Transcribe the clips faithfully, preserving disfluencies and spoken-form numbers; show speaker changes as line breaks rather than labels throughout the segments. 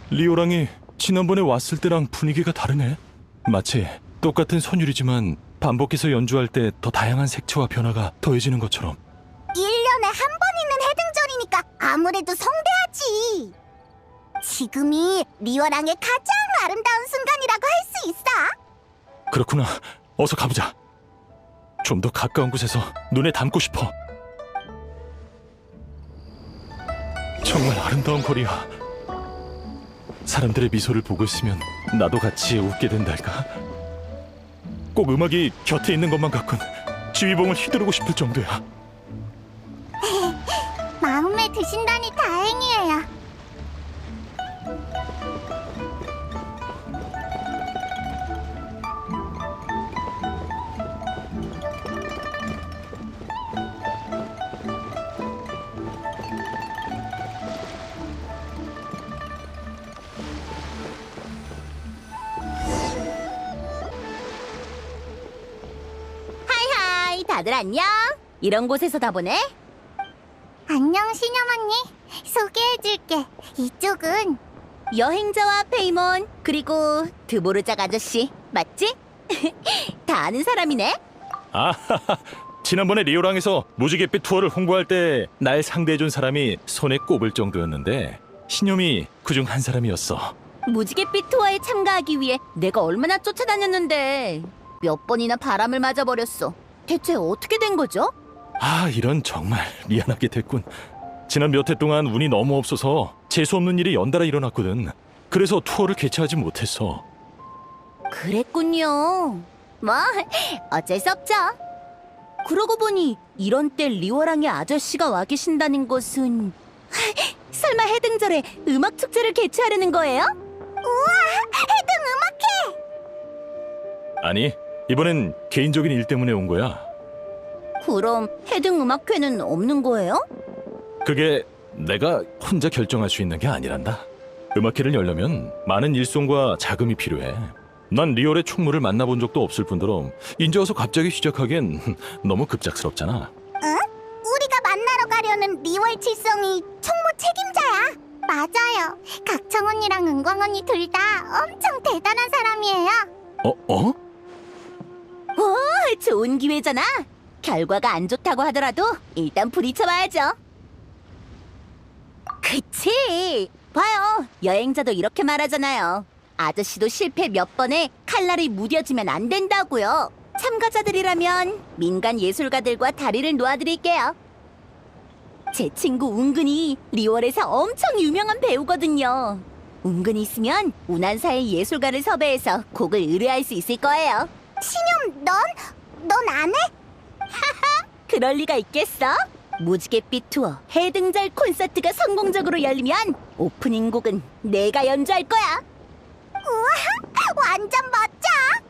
리오랑이 지난번에 왔을 때랑 분위기가 다르네. 마치 똑같은 선율이지만 반복해서 연주할 때 더 다양한 색채와 변화가 더해지는 것처럼.
일 년에 한 번 있는 해등절이니까 아무래도 성대하지. 지금이 리오랑의 가장 아름다운 순간이라고 할 수 있어.
그렇구나. 어서 가보자. 좀 더 가까운 곳에서 눈에 담고 싶어. 정말 아름다운 거리야. 사람들의 미소를 보고 있으면 나도 같이 웃게 된달까? 꼭 음악이 곁에 있는 것만 같군 지휘봉을 휘두르고 싶을 정도야.
마음에 드신다니 다행이에요.
하이하이, 다들 안녕? 이런 곳에서 다 보네?
안녕 신영 언니. 소개해줄게. 이쪽은
여행자와 페이몬, 그리고 드보르작 아저씨, 맞지? 다 아는 사람이네?
아하하. 지난번에 리오랑에서 무지갯빛 투어를 홍보할 때 날 상대해준 사람이 손에 꼽을 정도였는데 신념이 그중 한 사람이었어.
무지갯빛 투어에 참가하기 위해 내가 얼마나 쫓아다녔는데 몇 번이나 바람을 맞아버렸어. 대체 어떻게 된 거죠?
아, 이런 정말 미안하게 됐군. 지난 몇 해 동안 운이 너무 없어서 재수없는 일이 연달아 일어났거든. 그래서 투어를 개최하지 못했어.
그랬군요. 뭐 어쩔 수 없죠. 그러고 보니 이런 때 리오랑의 아저씨가 와 계신다는 것은 설마 해등절에 음악 축제를 개최하려는 거예요?
해등 음악회.
아니, 이번엔 개인적인 일 때문에 온 거야.
그럼 해등 음악회는 없는 거예요?
그게 내가 혼자 결정할 수 있는 게 아니란다. 음악회를 열려면 많은 일손과 자금이 필요해. 난 리얼의 총무를 만나본 적도 없을 뿐더러 인제 와서 갑자기 시작하기엔 너무 급작스럽잖아.
응? 우리가 만나러 가려는 리월 칠성이 총무 책임자야. 맞아요. 각청 언니랑 은광 언니 둘 다 엄청 대단한 사람이에요.
어? 어?
오, 좋은 기회잖아. 결과가 안 좋다고 하더라도 일단 부딪혀봐야죠. 그치? 봐요. 여행자도 이렇게 말하잖아요. 아저씨도 실패 몇 번에 칼날이 무뎌지면 안 된다고요. 참가자들이라면 민간 예술가들과 다리를 놓아드릴게요. 제 친구 운근이 리월에서 엄청 유명한 배우거든요. 운근이 있으면 운한사의 예술가를 섭외해서 곡을 의뢰할 수 있을 거예요.
신영, 넌? 넌 안 해?
그럴 리가 있겠어? 무지갯빛 투어 해등절 콘서트가 성공적으로 열리면 오프닝 곡은 내가 연주할 거야.
우와, 완전 멋져.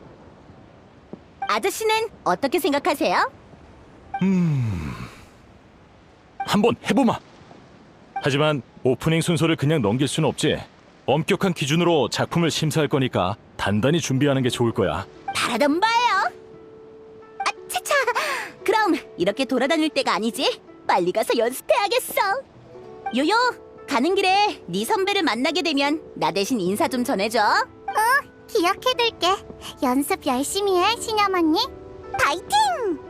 아저씨는 어떻게 생각하세요?
음... 한번 해보마. 하지만 오프닝 순서를 그냥 넘길 수는 없지. 엄격한 기준으로 작품을 심사할 거니까 단단히 준비하는 게 좋을 거야.
바라던 바예요. 아, 차차. 그럼 이렇게 돌아다닐 때가 아니지. 빨리 가서 연습해야겠어. 요요, 가는 길에 네 선배를 만나게 되면 나 대신 인사 좀 전해줘.
기억해둘게. 연습 열심히 해, 신영 언니. 파이팅!